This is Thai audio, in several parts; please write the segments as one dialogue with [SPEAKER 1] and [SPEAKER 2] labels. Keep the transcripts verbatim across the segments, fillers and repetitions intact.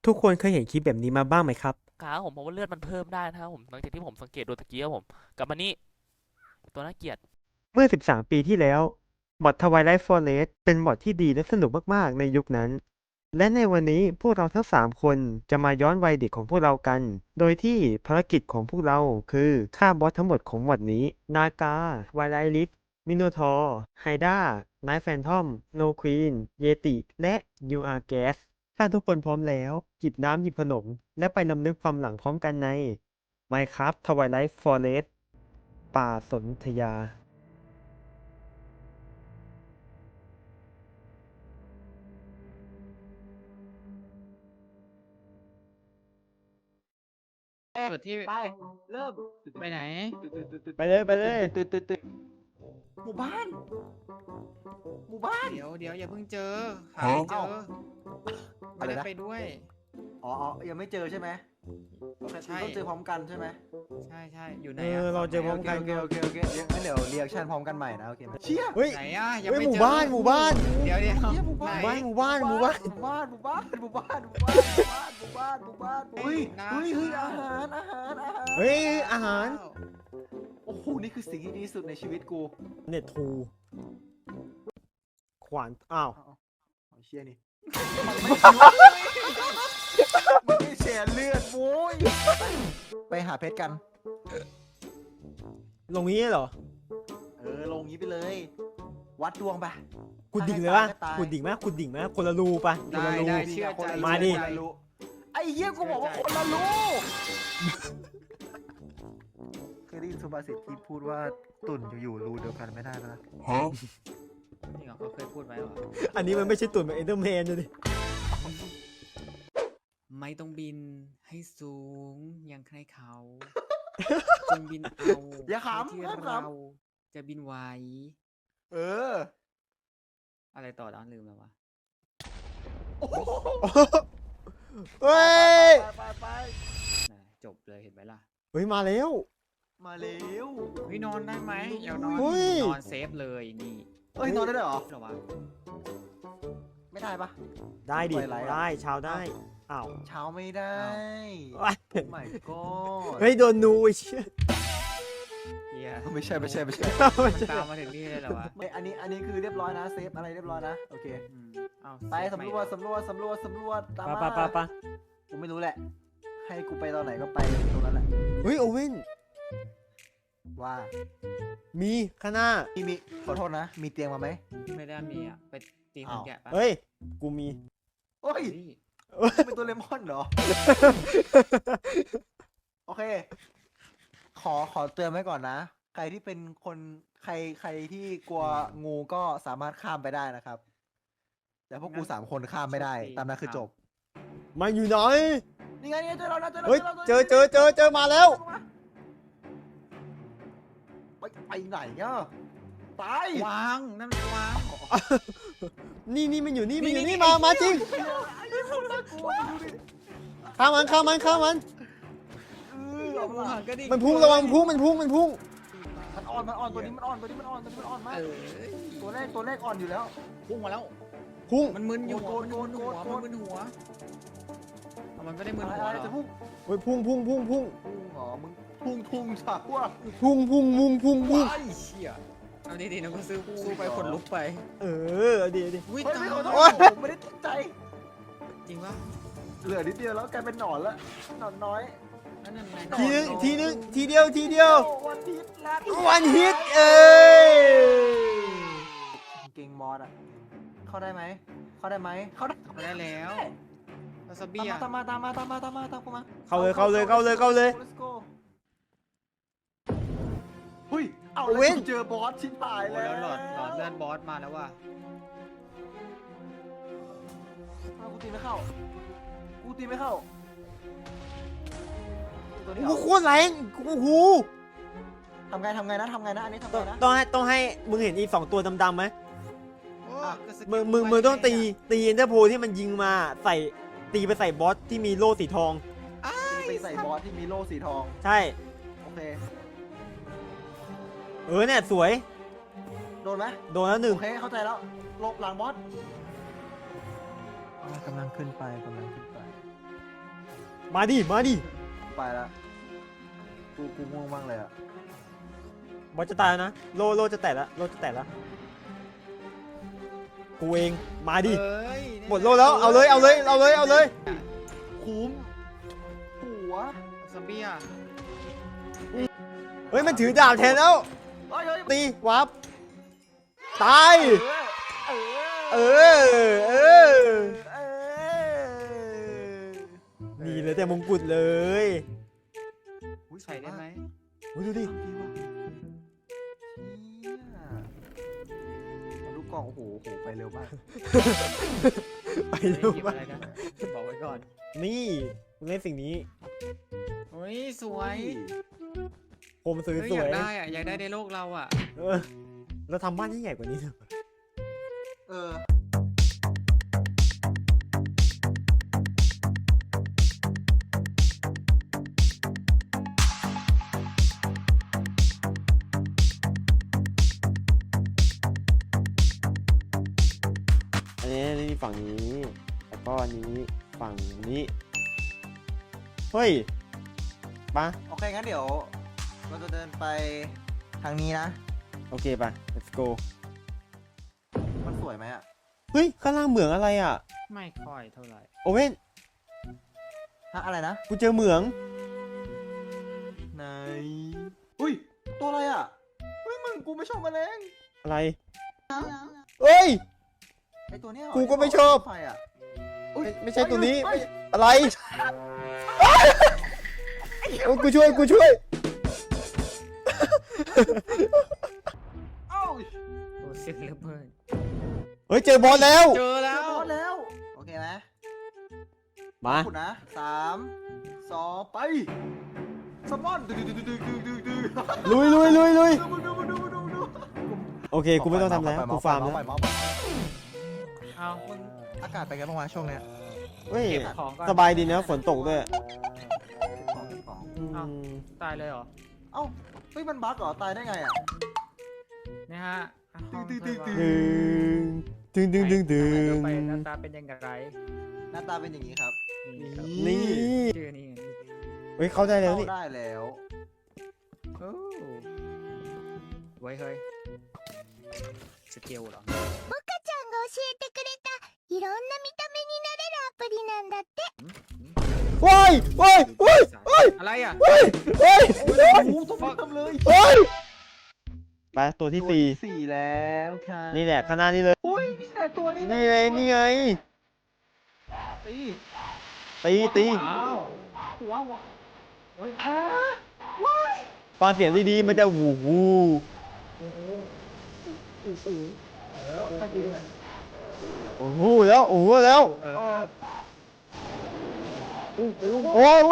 [SPEAKER 1] ทุกคนเคยเห็นคลิปแบบนี้มาบ้างไหมครับ
[SPEAKER 2] ขาผมผมว่าเลือดมันเพิ่มได้นะครับผมหลังจากที่ผมสังเกตดูตะกี้ครับผมกลับมานี่ตัวน่าเกลียด
[SPEAKER 1] เมื่อ สิบสาม ปีที่แล้วมอด Twilight Forest เป็นมอดที่ดีและสนุกมากๆในยุคนั้น และในวันนี้พวกเราทั้ง สาม คนจะมาย้อนวัยเด็กของพวกเรากัน โดยที่ภารกิจของพวกเราคือฆ่าบอสทั้งหมดของมอดนี้ นากา Twilight Rift มิโนทอร์ ไฮด้า ไนท์แฟนทอม โนควีน เยติ และ ยู อาร์ แก๊ส ถ้าทุกคนพร้อมแล้วจิบน้ำหยิบขนม และไปรำลึกความหลังพร้อมกันใน Minecraft Twilight Forest ป่าสนธยา
[SPEAKER 3] เปิดที่
[SPEAKER 4] ไปเริ่ม
[SPEAKER 3] ไปไหน
[SPEAKER 1] ไปเลยไปเลย
[SPEAKER 4] ตึ๊ดตึ๊ดตึ๊ดหมู่บ้าน หมู่บ้าน
[SPEAKER 3] เดี๋ยวเดี๋ยวอย่าเพิ่งเจอหาไม่เจอ
[SPEAKER 4] เอ้า
[SPEAKER 3] ไม่ได้
[SPEAKER 4] อะไรนะ
[SPEAKER 3] ไปด้วย
[SPEAKER 4] อ๋ออ๋อยังไม่เจอใช่ไหมโอเค
[SPEAKER 3] ใช่
[SPEAKER 4] ต้องเจอพร้อมกันใช่ไหม
[SPEAKER 3] ใช่ใช่อยู่ไหน
[SPEAKER 1] เออ
[SPEAKER 3] อะ
[SPEAKER 1] เราเจอพร้อม
[SPEAKER 4] โอเค
[SPEAKER 1] กัน
[SPEAKER 4] โอเคโอเคโอเคเดี๋ยวงั้นเดี๋ยวเรียกชั่นพร้อมกันใหม่นะโอเคไหมเชี่ย
[SPEAKER 1] เฮ้ย
[SPEAKER 3] ไหนอะยัง
[SPEAKER 1] เฮ้ย
[SPEAKER 3] ไม่
[SPEAKER 1] หมู่
[SPEAKER 3] เจอ
[SPEAKER 1] บ้านหมู่บ้าน
[SPEAKER 3] เดี๋ยวเดี๋ยว
[SPEAKER 4] เชี่ยหมู่
[SPEAKER 3] ไหน
[SPEAKER 4] บ้าน
[SPEAKER 1] หมู่บ้านหมู่บ้าน
[SPEAKER 4] หมู่บ้านหมู่บ้านหมู่บ้านหมู่บ้านหมู่บ้านหมู่บ้านหมู่บ้านเฮ้ยเฮ้ยเฮ้ยอาหารอาหารอาหาร
[SPEAKER 1] เฮ้ยอาหาร
[SPEAKER 4] โอ้โหนี่คือสิ่งที่ดีที่สุดในชีวิตกู
[SPEAKER 1] เน็ตทูขวานอ้าว
[SPEAKER 4] เอาเอาเอาเชี่ยนี่มันไม่แชร์เลือดโว้ยไปหาเพชรกัน
[SPEAKER 1] ลงนี้เหรอ
[SPEAKER 4] เออลงงี้ไปเลย วัดดวงไป
[SPEAKER 1] ขุดดิ่งเลยปะขุดดิ่งไหมขุดดิ่งไหมคนละรูปะคน
[SPEAKER 3] ได้
[SPEAKER 1] ละรู
[SPEAKER 3] ได้เชื่อใจ
[SPEAKER 1] มาดิ
[SPEAKER 3] เชื่อใจ
[SPEAKER 4] ไอ้เหี้ยกูบอกว่าคนละรูเคยได้ยินสุภาษิตที่พูดว่าตุ่นอยู่ๆรูเดียวกันไม่ได้นะ
[SPEAKER 3] จริงเหรอเขาเคยพูดไว้เหรอ
[SPEAKER 1] อันนี้มันไม่ใช่ตุ่นแบบเอ็นเดอร์แมนเลยดิ
[SPEAKER 3] ไม่ต้องบินให้สูงอย่างใครเขาจงบินเอา
[SPEAKER 4] อย่าข
[SPEAKER 3] เท่าที่
[SPEAKER 4] ำห้ามข
[SPEAKER 3] เราจะบินไหว
[SPEAKER 4] ำเออ
[SPEAKER 3] อะไรต่อด้านลืมแล้ววะ
[SPEAKER 4] โอ้โห
[SPEAKER 1] เฮ้ย
[SPEAKER 4] ไปไปไป
[SPEAKER 3] น่ะจบเลยเห็นไหมล่ะ
[SPEAKER 1] เฮ้ยมาแล้ว
[SPEAKER 4] มาเร็ว
[SPEAKER 3] เฮ้ยนอนได้ไหมอย่านอน
[SPEAKER 1] เฮ้ย
[SPEAKER 3] นอนเซฟเลยนี่
[SPEAKER 4] เอ้ยนอนได้ด้วยเหรอ
[SPEAKER 3] เหรอวะ
[SPEAKER 4] ไม่ได้ปะ
[SPEAKER 1] ได้ดิ
[SPEAKER 4] ปล่อยไหลอะ
[SPEAKER 1] ได้ชาวได้อ้าว
[SPEAKER 4] เช้าไม่ได้
[SPEAKER 1] ว้าย
[SPEAKER 4] โอ้ my god
[SPEAKER 1] เฮ้ยโดนนูไอ้เชี่ย
[SPEAKER 3] เฮีย
[SPEAKER 4] ไม่ใช่ไม่ใช่ไม่ใช่
[SPEAKER 3] มันตามมาถึงนี่เลยเหรอวะ
[SPEAKER 4] ไม่อันนี้อันนี้คือเรียบร้อยนะเซฟอะไรเรียบร้อยนะโอเค
[SPEAKER 3] อืมเอา
[SPEAKER 4] ไปสำรวจสำรวจสำรวจสำรวจตาม
[SPEAKER 1] ปะ
[SPEAKER 4] มา
[SPEAKER 1] ปะปะปะ
[SPEAKER 4] กูไม่รู้แหละ ให้กูไปตอนไหนก็ไปตรงนั้นแหละ
[SPEAKER 1] เฮ้ยโอเว่น
[SPEAKER 4] ว่า
[SPEAKER 1] มีข้างหน้า
[SPEAKER 4] มีมีขอโทษนะ มีเตียงมาไหม
[SPEAKER 3] ไม่ได้มีอ่ะ ไปตีคน
[SPEAKER 4] อ้าว
[SPEAKER 3] แกะปะ
[SPEAKER 1] เฮ้ยกูมี
[SPEAKER 4] โอ้ย
[SPEAKER 3] เฮ้ย
[SPEAKER 4] เป็นตัวเลมอนเหรอ โอเค ขอขอเตือนไว้ก่อนนะ ใครที่เป็นคนใครใครที่กลัวงูก็สามารถข้ามไปได้นะครับ แต่พวกกูสามคนข้ามไม่ได้ ตามนั้นคือจบ
[SPEAKER 1] มาอยู่ไหน
[SPEAKER 4] นี่ไงนี่ไงเจอเราแล้วเจอเรา
[SPEAKER 1] เฮ้ย
[SPEAKER 4] รา
[SPEAKER 1] เจอเจอเจอเจอมาแล้ว
[SPEAKER 4] ไปไปไหนอ่ะตาย
[SPEAKER 3] วางนั่นมันวาง
[SPEAKER 1] นี่นี่มันอยู่นี่มันอยู่
[SPEAKER 3] นี่
[SPEAKER 1] นี่
[SPEAKER 3] นี่
[SPEAKER 1] มา
[SPEAKER 3] ไอ้
[SPEAKER 1] มาจริง
[SPEAKER 4] ไอ้เหี้ยคนน่ากลัวดูดิ
[SPEAKER 1] ข้ามมันข้ามมันข้ามมัน
[SPEAKER 4] เออเอา
[SPEAKER 3] วา
[SPEAKER 4] ล่ะ
[SPEAKER 3] งก็ดิ
[SPEAKER 1] มันพุ่งระวังมันพุ่งมันพุ่งมันพุ่ง
[SPEAKER 4] มันอ่อนมันอ่อนตัวนี้มันอ่อนตัวนี้มันอ่อนตัวนี้มันอ่อนมาก
[SPEAKER 3] เออ
[SPEAKER 4] ตัวแรกตัวแรกอ่อนอยู่แล้ว
[SPEAKER 3] พุ่งมาแล้ว
[SPEAKER 1] พุ่ง
[SPEAKER 3] มันมึนอยู่
[SPEAKER 4] โก
[SPEAKER 3] หั
[SPEAKER 4] ร
[SPEAKER 3] ว
[SPEAKER 4] ธ
[SPEAKER 3] มันมึน
[SPEAKER 4] โก
[SPEAKER 3] หั
[SPEAKER 4] ร
[SPEAKER 3] ว
[SPEAKER 4] ธโกรธ
[SPEAKER 3] มันมึนหัวเอามันไม่ได้มึน
[SPEAKER 4] อะไร
[SPEAKER 3] หัว
[SPEAKER 4] อะไร
[SPEAKER 3] เหรอ
[SPEAKER 4] จะพุ่ง
[SPEAKER 1] เฮ้ยพุ่งพุ่งพุ่งพุ่ง
[SPEAKER 4] พุ่งเหรอมึงพุ่งพุ่งฉากว่า
[SPEAKER 1] พุ่งพุ่งพุ่งพุ่งพุ่ง
[SPEAKER 3] ไอ้เชี่ยเอาดีๆนะกูซื้อสู้ไปขนลุกไป
[SPEAKER 1] เออเอาดีเอาดี
[SPEAKER 3] วิ่ง
[SPEAKER 4] เฮ้ย
[SPEAKER 3] ตา
[SPEAKER 4] ไม่
[SPEAKER 3] ย
[SPEAKER 4] ขอโท
[SPEAKER 1] โอ๊
[SPEAKER 4] ษ
[SPEAKER 1] ย
[SPEAKER 4] ผมไม่ได้ตั้งใจ
[SPEAKER 3] จริงปะ
[SPEAKER 4] เหลือนิดเดียวแล้วกลายเป็นหนอนแล้วหนอนน้อย
[SPEAKER 3] นั่นนั่นไง
[SPEAKER 1] ทีนึงทีนึงทีเดียวทีเดียว
[SPEAKER 4] วันทิตลัด
[SPEAKER 1] วันฮิตเอ้ย
[SPEAKER 4] เก่งมอสอ่ะ เข้าได้ไหม เข้าได้ไหม เข้าได้
[SPEAKER 3] มาได้แล้ววาซาบิ
[SPEAKER 4] ตามมา
[SPEAKER 3] อ่ะ
[SPEAKER 4] ตามมาตามมาตามมาตามมาตามกูมา
[SPEAKER 1] เข้าเลยเข้าเลยเข้าเลยเข้าเลย
[SPEAKER 4] Let's go หุ้ย เอา
[SPEAKER 1] เว้
[SPEAKER 4] เลย
[SPEAKER 1] น
[SPEAKER 4] กูเจอบอสชิ้นตาย
[SPEAKER 3] โอ้
[SPEAKER 4] แล้
[SPEAKER 3] แล้ว วหลอดหลอดเลือดบอสมาแล้วว่ะ
[SPEAKER 4] เอากูตีไม่เข้า กูตีไม่เข้าตัวนี้
[SPEAKER 1] โอ้
[SPEAKER 4] เอา
[SPEAKER 1] โหโคตรแรงโอ้โห
[SPEAKER 4] ทำไงทำไงนะทำไงนะ อันนี้ทำ
[SPEAKER 1] ต้
[SPEAKER 4] ไง
[SPEAKER 1] อง
[SPEAKER 4] นะ
[SPEAKER 1] ต้องให้ต้องให้มึงเห็นอีสองตัวดำๆไหม
[SPEAKER 3] โอ้
[SPEAKER 4] อ่ะ
[SPEAKER 3] ก็สกิล
[SPEAKER 1] มึงมึง
[SPEAKER 3] ไป
[SPEAKER 1] มึงต้องตี
[SPEAKER 3] ไะ
[SPEAKER 1] ตีเอ็นเตอร์โพที่มันยิงมาใส่ตีไปใส่บอสที่มีโล่สีทอง
[SPEAKER 3] อ้า
[SPEAKER 4] ตีไปใส่บอสที่มีโล่สีทอง
[SPEAKER 1] ใช่
[SPEAKER 4] โอเค
[SPEAKER 1] เออเนี่ยสวย
[SPEAKER 4] โดนไหม
[SPEAKER 1] โดนแล้วหนึ่ง
[SPEAKER 4] โอเค เข้าใจแล้วหลบหลังบอสกำลังขึ้นไปกำลังขึ้นไป
[SPEAKER 1] มาดิมาดิ
[SPEAKER 4] ไปละกูกูง่วงมากเลยอ่ะ
[SPEAKER 1] บอสจะตายแล้วนะโลโลจะแตะแล้วโลจะแตะแล้วกูเองมาดิ
[SPEAKER 3] เอ้ย
[SPEAKER 1] หมดโลแล้วเอาเลยเอาเลยเอาเลยเอาเลย
[SPEAKER 4] คุ้มหัว
[SPEAKER 3] ซอมบี้อ่ะ
[SPEAKER 1] เฮ้ยมันถือดาบแทนแล้ว
[SPEAKER 4] เฮ้ยเฮ้ย
[SPEAKER 1] ตีวับตาย
[SPEAKER 4] เออ
[SPEAKER 1] เออเออ
[SPEAKER 4] เออ
[SPEAKER 1] นี่เลยแต่มงกุฎเลย
[SPEAKER 4] อุ๊ย
[SPEAKER 3] ใส่ได้ไหม
[SPEAKER 1] โอ้ยดูดิ
[SPEAKER 4] ทำดีว่ะเชี่ยมาดูกล่องโอ้โหโอ้โหไปเร็วมาก
[SPEAKER 1] ไป
[SPEAKER 3] เฮ้ย
[SPEAKER 1] เร็ว
[SPEAKER 3] หยิบ
[SPEAKER 1] มา
[SPEAKER 3] อะไร
[SPEAKER 1] ก
[SPEAKER 3] นะบอกไว้ก่อน
[SPEAKER 1] นี่มึงเล่นสิ่งนี้
[SPEAKER 3] เฮ้ยสวย
[SPEAKER 1] ผมสวย
[SPEAKER 3] เฮ้ย
[SPEAKER 1] ส
[SPEAKER 3] อ
[SPEAKER 1] วย
[SPEAKER 3] ยากได้อ่ะอยากได้ในโลกเราอ่ะ
[SPEAKER 1] เออเราทำบ้านที่ใหญ่กว่านี้เถอะ
[SPEAKER 4] เออ
[SPEAKER 1] อันนี้นี่ฝั่งนี้แล้วก็อันนี้ฝั่งนี้เฮ้ยปะ
[SPEAKER 4] โอเคงั้นเดี๋ยว เราจะเดินไปทางนี้นะ
[SPEAKER 1] โอเคปะ let's go
[SPEAKER 4] มันสวยไหมอ่ะ
[SPEAKER 1] เฮ้ยข้างล่างเหมืองอะไรอ่ะ
[SPEAKER 3] ไม่ค่อยเท่าไหร่
[SPEAKER 1] โอเว่น
[SPEAKER 4] ฮะอะไรนะ
[SPEAKER 1] กูเจอเหมือง
[SPEAKER 4] ไหนอุ้ย ตัวอะไรอ่ะเฮ้ยมึงกูไม่ชอบแมลง
[SPEAKER 1] อะไรเอ้ย
[SPEAKER 4] ไอตัวเนี้ยเหรอ
[SPEAKER 1] กูก็ไม่ชอบ
[SPEAKER 4] ไฟอ่ะ
[SPEAKER 1] ไม่ไม่ใช่ตัวนี้
[SPEAKER 4] เฮ้ย
[SPEAKER 1] อะไรโอ้ยกูช่วยกูช่วย
[SPEAKER 4] เอ้า
[SPEAKER 3] โอ้เสียงระเบิด
[SPEAKER 1] เฮ้ยเจอบอสแล้ว
[SPEAKER 3] เจอ
[SPEAKER 4] เจ
[SPEAKER 3] แล้
[SPEAKER 4] อ
[SPEAKER 3] ว
[SPEAKER 4] บอสแล้ว โอเคไหม
[SPEAKER 1] มา
[SPEAKER 4] พูดนะสามสองไปสมอนดึงดึงดึงดึงดึงดึงดึง
[SPEAKER 1] ลุยลุยลุยลุย
[SPEAKER 4] ดูดูดูดูดูดู
[SPEAKER 1] โอเคกูไม่ต้องทำแล้วกูฟาร์มแล้ว
[SPEAKER 3] เอามึง
[SPEAKER 4] อากาศเป็นไงบ้างวะช่วงเนี้ย
[SPEAKER 1] เฮ้ย
[SPEAKER 3] เก็บของก่อน
[SPEAKER 1] สบายดีนะฝนตกด้วย
[SPEAKER 4] ของของ
[SPEAKER 1] อืม
[SPEAKER 3] อ้าว ตายเลยเหรอ
[SPEAKER 4] เอ้าเฮ้ยมันบั๊กเหรอตายได้ไงอ่ะ
[SPEAKER 3] นะฮะห้อง
[SPEAKER 4] ตึ๊
[SPEAKER 3] เพื่
[SPEAKER 4] ด
[SPEAKER 3] อน
[SPEAKER 4] ตึ๊ด
[SPEAKER 3] ว่า
[SPEAKER 1] ดึงดึงดึงดึงดึ
[SPEAKER 3] เดี๋ยว
[SPEAKER 1] ง
[SPEAKER 3] ไปหน้าตาเป็นยังไง
[SPEAKER 4] หน้าตาเป็นอย่างนี้ครับ
[SPEAKER 3] นี่ครับ
[SPEAKER 1] นี่
[SPEAKER 3] ชื่อนี่ไง
[SPEAKER 1] เฮ้ยเข้าได้แล้ว
[SPEAKER 4] เข้า
[SPEAKER 1] นี่
[SPEAKER 4] ได้แล้ว
[SPEAKER 3] โอ้ไว้เฮ้ยสเกลเหรอ
[SPEAKER 5] ちゃんが教えてくれたいろんな見た目になれるアプリなんだって
[SPEAKER 1] ว้ายว้ายว้ายว้าย
[SPEAKER 3] อะไรอ่ะ
[SPEAKER 1] ว้ายว้าย
[SPEAKER 4] โอ้โหต้องทำเลย
[SPEAKER 1] ว้ายไปตัวที่สี่
[SPEAKER 4] สี่แล้วค่ะ
[SPEAKER 1] นี่แหละข้างหน้านี่เลย
[SPEAKER 4] อุ้ยนี่แหละตัวนี้
[SPEAKER 1] นี่ไงนี่ไง
[SPEAKER 4] ตี
[SPEAKER 1] ตีตี
[SPEAKER 4] ว้าวว้าวเฮ้ยอ่า
[SPEAKER 1] ฟังเสียงดีๆมันจะวูวูโอ้โหแล้วโอ้โหแล้วโอ้ยโอ้โห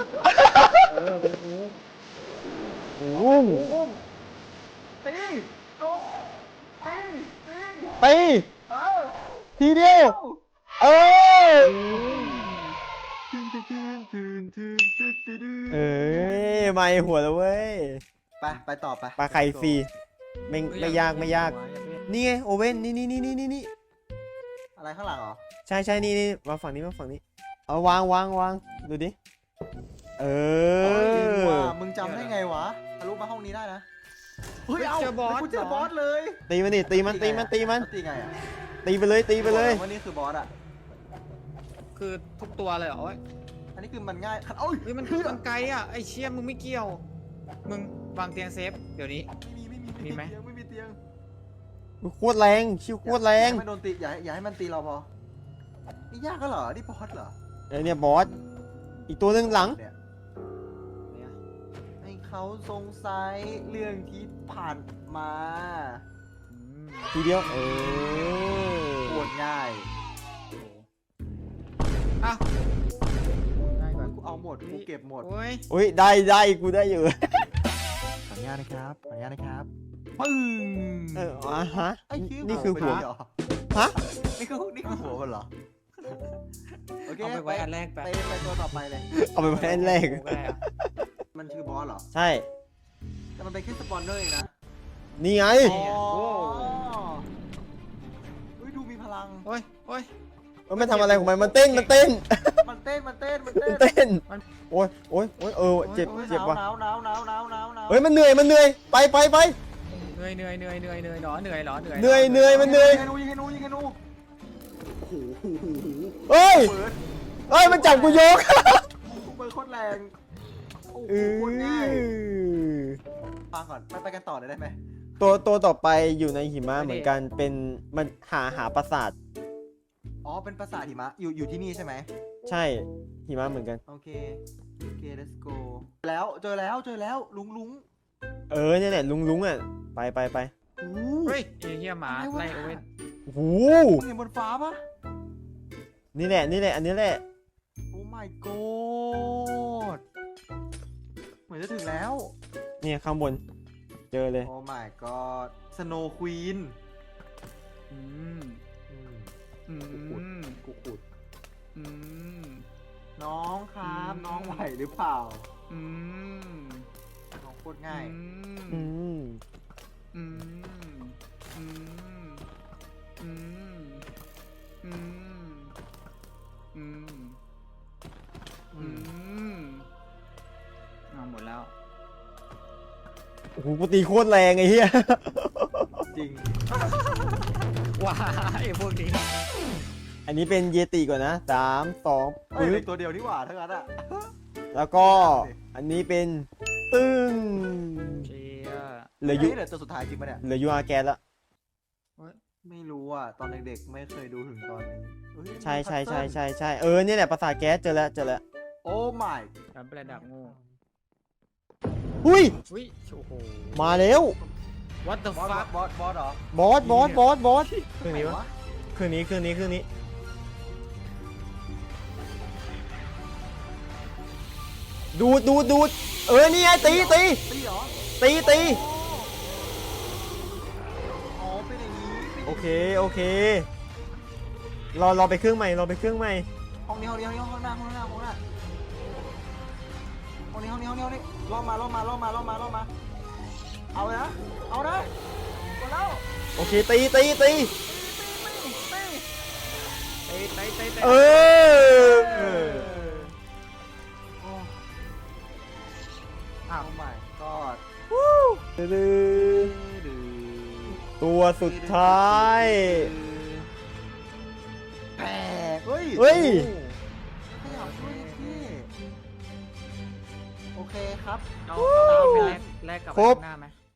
[SPEAKER 4] ตีโอ้ตีตี
[SPEAKER 1] ตีทีเดียวเออเอ้ยไม่หัวแล้วเว้ย
[SPEAKER 4] ไปไปต่อไป
[SPEAKER 1] ปลาไข่ฟรีไม่
[SPEAKER 3] เฮ้
[SPEAKER 1] ไม่ยากไม่ยาก นี่ไงโอเว่นนี่นี่นี่นี่นี่นี่
[SPEAKER 4] อะไรข้างหลังเหรอ
[SPEAKER 1] ใช่ใช่นี่นี่มาฝั่งนี้มาฝั่งนี้เอาวางวางวางดูดิเอ
[SPEAKER 4] เฮ้ยจริง
[SPEAKER 1] อ
[SPEAKER 4] ว่ะมึงจำได้ไงวะทะลุมาห้องนี้ได้นะเฮ้ยเอา
[SPEAKER 3] เจอบอส
[SPEAKER 4] กูเจอบอสเลย
[SPEAKER 1] ตีมันดิตีมันตีมันตีมัน
[SPEAKER 4] ตีไงอ่ะ
[SPEAKER 1] ตีไปเลยตีไปเลย
[SPEAKER 4] ว่านี่คือบอสอ่ะ
[SPEAKER 3] คือทุกตัวเลยเหรอ
[SPEAKER 4] อันนี้คือมันง่ายโอ้ย
[SPEAKER 3] เฮ้ยมัน
[SPEAKER 4] คือ
[SPEAKER 3] มันไกลอ่ะไอ้เชี่ยมึงไม่เกี่ยว มึงวางเตียงเซฟเดี๋ยวนี้
[SPEAKER 4] ไม่มีไม่มี
[SPEAKER 3] มีไหม
[SPEAKER 4] เตียงไม่มีเตียง
[SPEAKER 1] โคตรแรงชิวโคตรแร
[SPEAKER 4] อย่าง ให้มันโดนตีอย่าให้อย่าให้มันตีเราพอนี่ยากก็เหรอนี่บอสเหรอ
[SPEAKER 1] ไอเนี่ยบอสอีกตัวหนึ่งหลัง
[SPEAKER 4] เนี่ย
[SPEAKER 3] เนี่ย
[SPEAKER 4] ให้เขาสงสัยเรื่องที่ผ่านมา
[SPEAKER 3] อืม
[SPEAKER 1] ทีเดียวเออ
[SPEAKER 4] โคตรง่าย
[SPEAKER 3] อ้าวได้ก่อน
[SPEAKER 4] กูเอาหมดกูเก็บหมด
[SPEAKER 3] โอ้ย
[SPEAKER 1] อุ้ยได้ได้กูได้อยู่
[SPEAKER 4] ขออนุญาตนะครับขออนุญาตนะครับปึ้ง
[SPEAKER 1] เอออ่ะฮะ
[SPEAKER 4] ไอ้ชื่อ
[SPEAKER 1] นี่คือหัว
[SPEAKER 4] มันเหรอ
[SPEAKER 1] ฮะ
[SPEAKER 4] นี่คือนี่คือหัวมันเหรอโอเค
[SPEAKER 3] เอาไปไว้อันแรกไป
[SPEAKER 4] ไปไปตัวต่อไปเลย
[SPEAKER 1] เอาไปไว้อันแรก
[SPEAKER 3] โอ้ก็ได้อะ
[SPEAKER 4] มันคือบอสเหรอ
[SPEAKER 1] ใช่
[SPEAKER 4] แต่มันเป็นแค่สปอนเนอร์เองนะ
[SPEAKER 1] นี่ไง
[SPEAKER 4] อ๋ออุ้ยดูมีพลัง
[SPEAKER 3] โอ้ยโอ้ย
[SPEAKER 1] มันไม่ทำอะไรของมันมันเต้นมันเต้น
[SPEAKER 4] มันเต้นมันเต้นมันเต้น
[SPEAKER 1] เต้นโอ้ยโอ้ยโอ้ยเออเจ็บ
[SPEAKER 4] โอ้ย
[SPEAKER 1] เจ็บว่ะ
[SPEAKER 4] หนาวหนาวหนาวหนาวหนาวหนาว
[SPEAKER 1] เฮ้ยมันเหนื่อยมันเหนื่อยไปไปไป
[SPEAKER 3] เหนื่อยเหนื่อยเหนื่อยเหนื่อยเหนื่อยเหรอเหนื่อยเหรอเหนื่อย
[SPEAKER 1] เหนื่อยเหนื่อยมันเหนื่อย
[SPEAKER 4] ยิงให้นูยิงให้นูยิงให้นูโอ้โห
[SPEAKER 1] เฮ้ย
[SPEAKER 4] เปิด
[SPEAKER 1] เฮ้ยมันจับกูยก
[SPEAKER 4] เปิดโคตรแรงโอ้โห
[SPEAKER 1] เอ
[SPEAKER 4] โคตรง่าย
[SPEAKER 1] อ
[SPEAKER 4] ฟังก่อนไปไปกันต่อเลยได้ไหม
[SPEAKER 1] ตัวตัวต่อไปอยู่ในหิมะเหมือนกันเป็นมันหาหาปราสาท
[SPEAKER 4] อ๋อเป็นปราสาทหิมะอยู่อยู่ที่นี่ใช่ไหม
[SPEAKER 1] ใช่หิมะเหมือนกัน
[SPEAKER 4] โอเคโอเค let's go แล้วเจอแล้วเจอแล้วลุงลุง
[SPEAKER 1] เออเนี่ยแหละลุงลุงอ่ะไปไปไป
[SPEAKER 4] โอ้
[SPEAKER 3] เฮ้ยไอ้เฮียหมาไล่โอเว่น
[SPEAKER 1] โอ้โห
[SPEAKER 4] มึงเห็นบนฟ้าปะ
[SPEAKER 1] นี่แหละนี่แหละอันนี้แหละ
[SPEAKER 4] โอ้ my god เหมือนจะถึงแล้ว
[SPEAKER 1] เนี่ยข้างบนเจอเลย
[SPEAKER 4] โอ้ my god snow queen
[SPEAKER 3] อืม
[SPEAKER 4] อืม
[SPEAKER 3] อืม
[SPEAKER 4] กูขุด
[SPEAKER 3] อืม
[SPEAKER 4] น้องครับ
[SPEAKER 3] อืม
[SPEAKER 4] น้องไหวหรือเปล่า
[SPEAKER 3] อืม
[SPEAKER 4] น้องโคตรง่าย
[SPEAKER 1] อืม
[SPEAKER 3] อืมอืมอืมอืมอืม
[SPEAKER 4] อื
[SPEAKER 3] อื
[SPEAKER 4] ม
[SPEAKER 3] มเอาหมดแล้ว
[SPEAKER 1] โอ้โหกูตีโคตรแรงไอ้เหี้ย
[SPEAKER 4] จริง
[SPEAKER 3] ว้าไอ้พวกนี้
[SPEAKER 1] อันนี้เป็นเยติก่อนนะสามสอง
[SPEAKER 4] เอ้ย
[SPEAKER 1] ปึ๊
[SPEAKER 4] เหลื
[SPEAKER 1] บ
[SPEAKER 4] อตัวเดียวนี่หว่าทั้งนั้นอะ
[SPEAKER 1] แล้วก็อันนี้เป็นตึ้ง
[SPEAKER 3] เชีย
[SPEAKER 1] เหลือยู
[SPEAKER 4] เฮ้ยเหลือตัวสุดท้ายจริงปะเนี่ย
[SPEAKER 1] เหลือยูอาร์แกนละ
[SPEAKER 4] ไม่รู้อ่ะ ตอนเด็กๆ ไม่เคยดูถึงตอนนี้เฮ้ย
[SPEAKER 1] ใช่ใช่ใช่
[SPEAKER 4] พัซเซิล
[SPEAKER 1] ใช่ใช่เออเนี่ยแหละปราสาทแก๊สเจอแล้วเจอแล้ว
[SPEAKER 4] โอ้ my
[SPEAKER 3] การประดับงู
[SPEAKER 1] หุ้ย
[SPEAKER 3] อุ้ยโอ้โห
[SPEAKER 1] มาแล้ว
[SPEAKER 3] what the
[SPEAKER 4] บอส
[SPEAKER 3] fuck
[SPEAKER 4] บอสบอสเหรอบ
[SPEAKER 1] อสบอสบอสบอสเค
[SPEAKER 4] เค
[SPEAKER 1] รื่องนี้
[SPEAKER 4] ไห
[SPEAKER 1] วะเครื่องนี้เครื่องนี้เครื่องนี้ ดูดดูดดูดเออนี่ไงตีตี
[SPEAKER 4] ตีเหรอ
[SPEAKER 1] ตีตี
[SPEAKER 4] อ๋อเป็นอย่างนี้เป็น
[SPEAKER 1] โอเคโอเครอรอไปเครื่องใหม่รอไปเครื่องใหม่
[SPEAKER 4] ห้องนี้ห้องนี้ห้องนี้ห้องหน้าห้องหน้าห้องหน้าห้องนี้ห้องนี้ห้องนี้ห้องนี้ล่อมาล่อมาล่อมาล่อมาล่อมา เอาเลยนะ เอานะเอาแล้ว
[SPEAKER 1] โอเคตีตีตี
[SPEAKER 3] เตะเตะเตะเตะ
[SPEAKER 1] เออ
[SPEAKER 4] โอ้ อ้าว my god
[SPEAKER 1] ตัวสุดท้าย
[SPEAKER 4] แตกเฮ้ย
[SPEAKER 1] เฮ้ย
[SPEAKER 4] ขยับด้วยพี่โอเคครับ
[SPEAKER 3] เอาเอาไปแลกแลกกับ
[SPEAKER 1] ครบ
[SPEAKER 3] ข้างหน้าไหม